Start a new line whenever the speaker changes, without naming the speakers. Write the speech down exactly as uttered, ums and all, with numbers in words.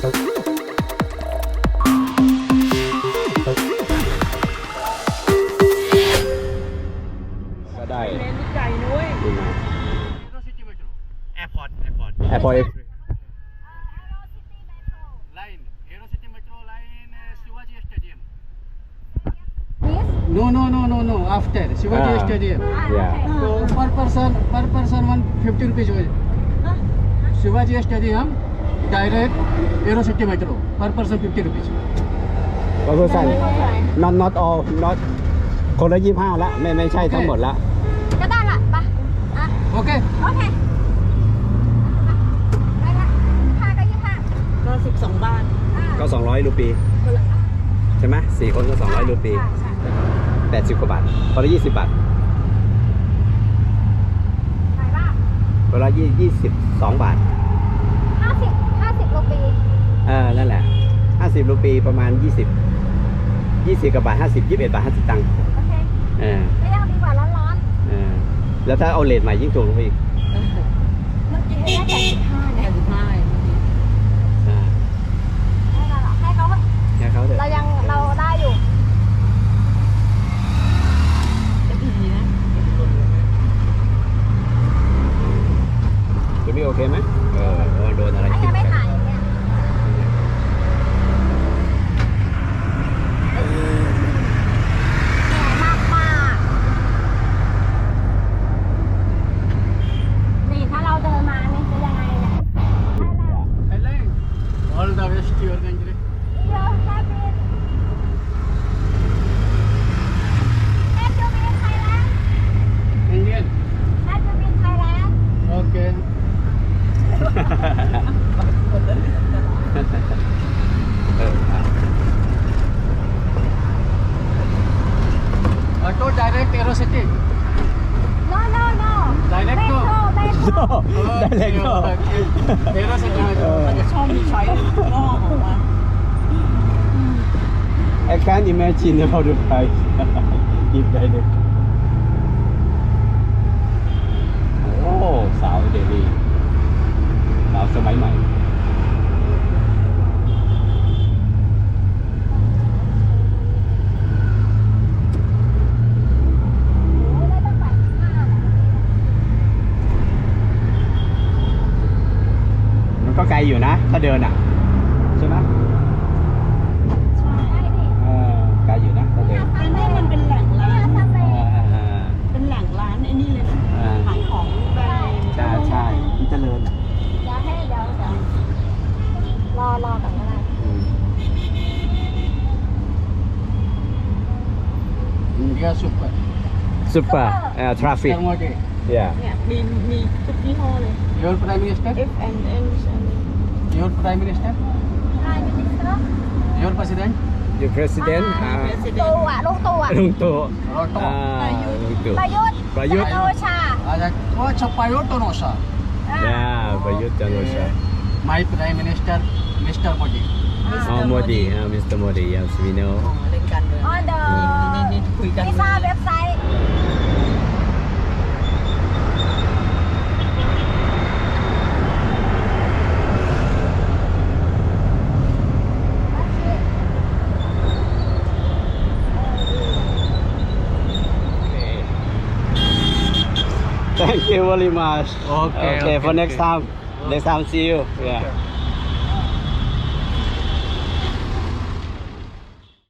ก็ได้
เน้นใหญ่นุ้ย
ดีมา
Airport, airport.
แอร์พอร์ต
Line, Aerocity Metro line, uh, Shivaji Stadium.
No, no, no, no, no. After Shivaji
Ah.
Stadium.
yeah
So per person, per person one fifty rupees होईल. Shivaji Stadium direct Aerocity Metro per person fifty rupees.
ก็คือสั่น not not all not คนละยี่ห้าละไม่ไม่ใช่ทั้งหมดละ
ก็ได้ละไปอ่ะ
Okay.
โอเคไปละห้าก็ยี่ห้า
ก็สิบสองบาท
ก็สองร้อยรูปีใช่ไหมสี่คนก็สองร้อยรูปี
ใช่ใช่
แปดสิบกว่าบาทคนละยี่สิบบาท
ไหนบ้าง
คนละยี่ยี่สิบสองบาท
ห้าสิบห้าสิบโลปี
เออนั่นแหละห้าสิบรูปีประมาณยี่สิบยี่สิบกว่าบาทห้าสิบยี่สิบเอ็ดบาทห้าสิบตังค์
โอเค
เออ
ก็ยังดีกว่าร้อน
เออแล้วถ้าเอาเลทใหม่ยิ่งถูกลงไปอีก
ๆเมื่อกี้ให้แค่สิบห้า
แป
เนี่ย
ดสิบห้า
อ่า
ให้เราเหรอให้เขาเถอะ
แค่เขาเถอะ
เรายังเราได้อยู่
จะดีนะ
จะไม่โอเคไหมเออเออโดนอะไร
อัน
คิ
นี้
ด
ไม่
กัน
ถ่ายอย่างเงี้ยเหนื่อยมากมากนี่ถ้าเราเดินมานี่จะยังไงเนี่ย
Thailand. All the best to your country.
เดี๋ยวแค่บินแค่จะบินไทยแลนด์
Indian.
แค่จะบินไทยแลนด์
Okay.
เอออ่ะ
Auto direct Aerocity.
no no no
Direct
metro
to.
metro
ได้เลยก็
Aerocity Metro.
มันจะชอบมีช้อยงอกออกมา
I can't imagine about the price if direct โอ้สาวเดลีสาวสมัยใหม่
ได้ตั้งแปดสิบห้าเนี่ย
มันก็ไกลอยู่นะ ถ้าเดินอ่ะ ใช่ไหม
ใช่ดิ
เออไกลอยู่นะถ้าเดิน
อันนี้มันเป็นแหล่ง
เนี่
ร้าย น
ทำเล
อ่าอ่า
เป็นแหล่งร้านไอ้นี่เลยนะ
อ่า
ขายของแบรนด์
ใช่ใช่ที่เจริญ
เดี๋ยวให้เดี๋ยวเดี๋ยวรอรอก่อนก็ได้
India super.
ซุปเปอร์เอ่อทราฟิก
Mister Modi.
yeah
เนี่ยมีมีทุกยี่ห้อเลย
Your Prime Minister.
F and N
Your Prime Minister.
ได้มินิสเตอร์
Your President.
your president อ่า
ตูอ่ะลูกตูอ่ะ
ลุงตู่
Roto.
อ่าลุงตู่
ประยุทธ์
ประยุทธ์
จันทร์โอชา
Ada oh Chapayo Tonosa.
อ่ะ
yeah ประยุทธ์จันทร์โอชา
My Prime Minister, Mister Modi.
อ๋อโมดีอ่า มิสเตอร์ โมดี yes we know
เล่นกันเลย
ออนเดอ
นี่นี่คุยกัน
วีซ่าเว็บไซต์
thank you very much
Okay,
okay for
okay,
next
okay.
time next time see you yeah